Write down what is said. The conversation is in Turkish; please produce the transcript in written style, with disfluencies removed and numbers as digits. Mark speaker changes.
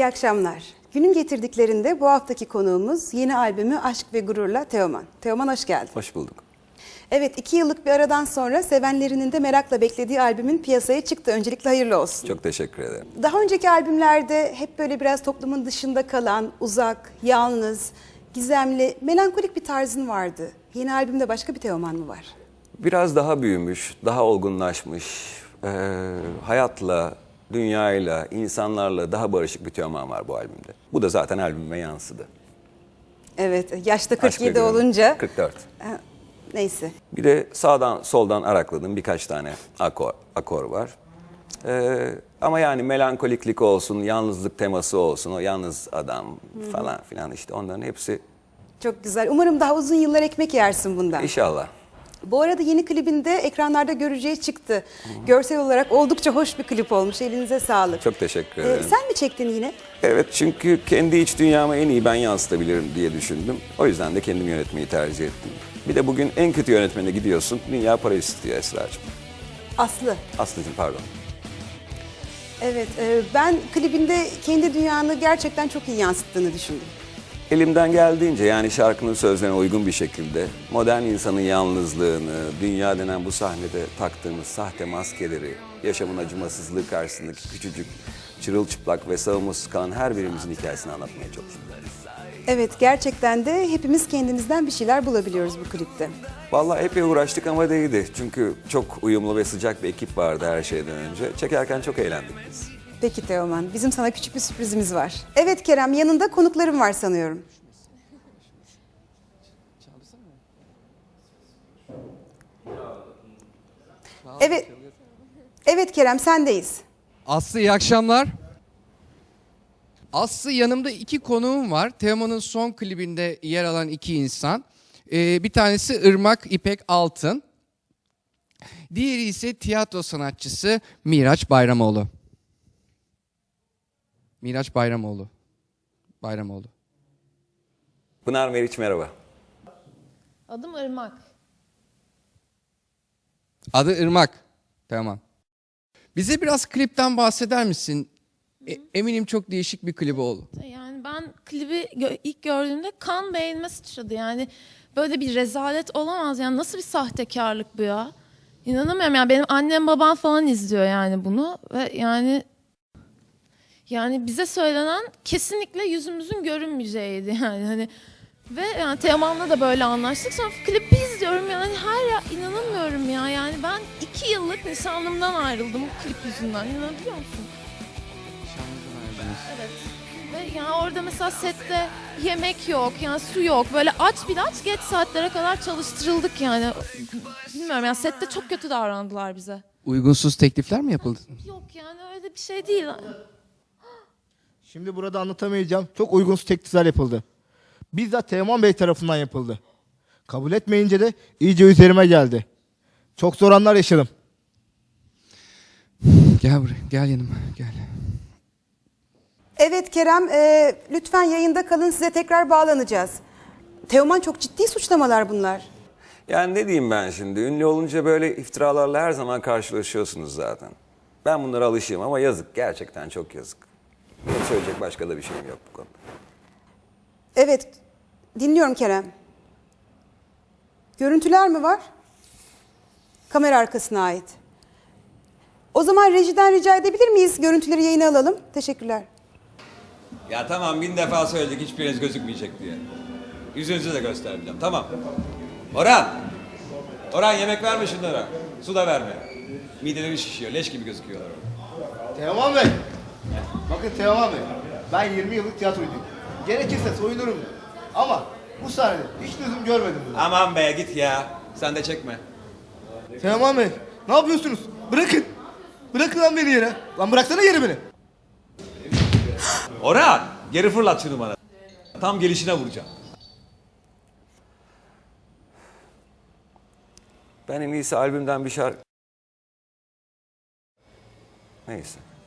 Speaker 1: akşamlar. Günün getirdiklerinde bu haftaki konuğumuz yeni albümü Aşk ve Gurur'la Teoman. Teoman hoş geldin.
Speaker 2: Hoş bulduk.
Speaker 1: Evet, 2 yıllık bir aradan sonra sevenlerinin de merakla beklediği albümün piyasaya çıktı. Öncelikle hayırlı olsun.
Speaker 2: Çok teşekkür ederim.
Speaker 1: Daha önceki albümlerde hep böyle biraz toplumun dışında kalan, uzak, yalnız, gizemli, melankolik bir tarzın vardı. Yeni albümde başka bir Teoman mı var?
Speaker 2: Biraz daha büyümüş, daha olgunlaşmış, hayatla, dünyayla, insanlarla daha barışık bir Teoman var bu albümde. Bu da zaten albüme yansıdı.
Speaker 1: Evet, yaşta
Speaker 2: Aşk ve
Speaker 1: 47
Speaker 2: Gurur.
Speaker 1: olunca.
Speaker 2: 44.
Speaker 1: Neyse.
Speaker 2: Bir de sağdan soldan arakladığım birkaç tane akor var. Ama yani melankoliklik olsun, yalnızlık teması olsun, o yalnız adam falan filan işte onların hepsi
Speaker 1: Çok güzel. Umarım daha uzun yıllar ekmek yersin bundan.
Speaker 2: inşallah.
Speaker 1: Bu arada yeni klibinde ekranlarda göreceği çıktı. Görsel olarak oldukça hoş bir klip olmuş. Elinize sağlık.
Speaker 2: Çok teşekkür ederim.
Speaker 1: Sen mi çektin yine?
Speaker 2: Evet, çünkü kendi iç dünyamı en iyi ben yansıtabilirim diye düşündüm. O yüzden de kendim yönetmeyi tercih ettim. Bir de bugün en kötü yönetmene gidiyorsun. Dünya para istiyor Esra'cığım.
Speaker 1: Aslı.
Speaker 2: Aslı'cığım pardon.
Speaker 1: Evet, ben klibinde kendi dünyanı gerçekten çok iyi yansıttığını düşündüm.
Speaker 2: Elimden geldiğince yani şarkının sözlerine uygun bir şekilde modern insanın yalnızlığını, dünya denen bu sahnede taktığımız sahte maskeleri, yaşamın acımasızlığı karşısındaki küçücük, çırılçıplak ve savunmasız kalan her birimizin hikayesini anlatmaya çalıştım.
Speaker 1: Evet, gerçekten de hepimiz kendimizden bir şeyler bulabiliyoruz bu klipte.
Speaker 2: Vallahi epey uğraştık ama değdi. Çünkü çok uyumlu ve sıcak bir ekip vardı her şeyden önce. Çekerken çok eğlendik biz.
Speaker 1: Peki Teoman, bizim sana küçük bir sürprizimiz var. Evet Kerem, yanında konuklarım var sanıyorum. Evet, evet Kerem, sendeyiz.
Speaker 3: Aslı iyi akşamlar. Aslı yanımda iki konuğum var. Teoman'ın son klibinde yer alan iki insan. Bir tanesi Irmak İpek Altın. Diğeri ise tiyatro sanatçısı Miraç Bayramoğlu. Miraç Bayramoğlu.
Speaker 2: Pınar Meriç merhaba.
Speaker 4: Adım Irmak.
Speaker 3: Adı Irmak. Tamam. Bize biraz klipten bahseder misin? Eminim çok değişik bir klibi oldu.
Speaker 4: Yani ben klibi ilk gördüğümde kan beynime sıçradı. Yani böyle bir rezalet olamaz. Yani nasıl bir sahtekarlık bu ya? İnanamıyorum. Yani benim annem babam falan izliyor yani bunu ve yani bize söylenen kesinlikle yüzümüzün görünmeyeceğiydi yani hani ve yani Teoman'la da böyle anlaştık. Sonra klipi izliyorum yani inanamıyorum ya. Yani ben 2 yıllık nişanlımdan ayrıldım bu klip yüzünden. İnanabiliyor musun? Evet. Ve yani orada mesela sette yemek yok, yani su yok. Böyle aç geç saatlere kadar çalıştırıldık yani. Bilmiyorum yani sette çok kötü davrandılar bize.
Speaker 3: Uygunsuz teklifler mi yapıldı?
Speaker 4: Yok yani öyle bir şey değil.
Speaker 5: Şimdi burada anlatamayacağım. Çok uygunsuz teklifler yapıldı. Bizzat Teoman Bey tarafından yapıldı. Kabul etmeyince de iyice üzerime geldi. Çok zor anlar yaşadım.
Speaker 3: Gel buraya, gel yanıma, gel.
Speaker 1: Evet Kerem, lütfen yayında kalın, size tekrar bağlanacağız. Teoman, çok ciddi suçlamalar bunlar.
Speaker 2: Yani ne diyeyim ben şimdi? Ünlü olunca böyle iftiralarla her zaman karşılaşıyorsunuz zaten. Ben bunlara alışığım ama yazık. Gerçekten çok yazık. Benim söyleyecek başka da bir şeyim yok bu konuda.
Speaker 1: Evet, dinliyorum Kerem. Görüntüler mi var? Kamera arkasına ait. O zaman rejiden rica edebilir miyiz? Görüntüleri yayına alalım. Teşekkürler.
Speaker 6: Ya tamam 1000 defa söyledik hiçbiriniz gözükmeyecek diye. Yüzünüzü de göstermeyeceğim tamam. Orhan! Orhan yemek verme şunlara. Su da verme. Mideleri şişiyor leş gibi gözüküyorlar orada.
Speaker 5: Teoman Bey. Bakın Teoman Bey. Ben 20 yıllık tiyatrocuydum. Gerekirse soyunurum. Ama bu sahnede hiç lüzum görmedim bunu.
Speaker 6: Aman be git ya. Sen de çekme.
Speaker 5: Teoman Bey. Ne yapıyorsunuz? Bırakın. Bırakın lan beni yere. Lan bıraksana yere beni.
Speaker 6: Orhan! Geri fırlat şunu bana. Tam gelişine vuracağım.
Speaker 2: Ben en iyisi albümden bir şarkı... Neyse.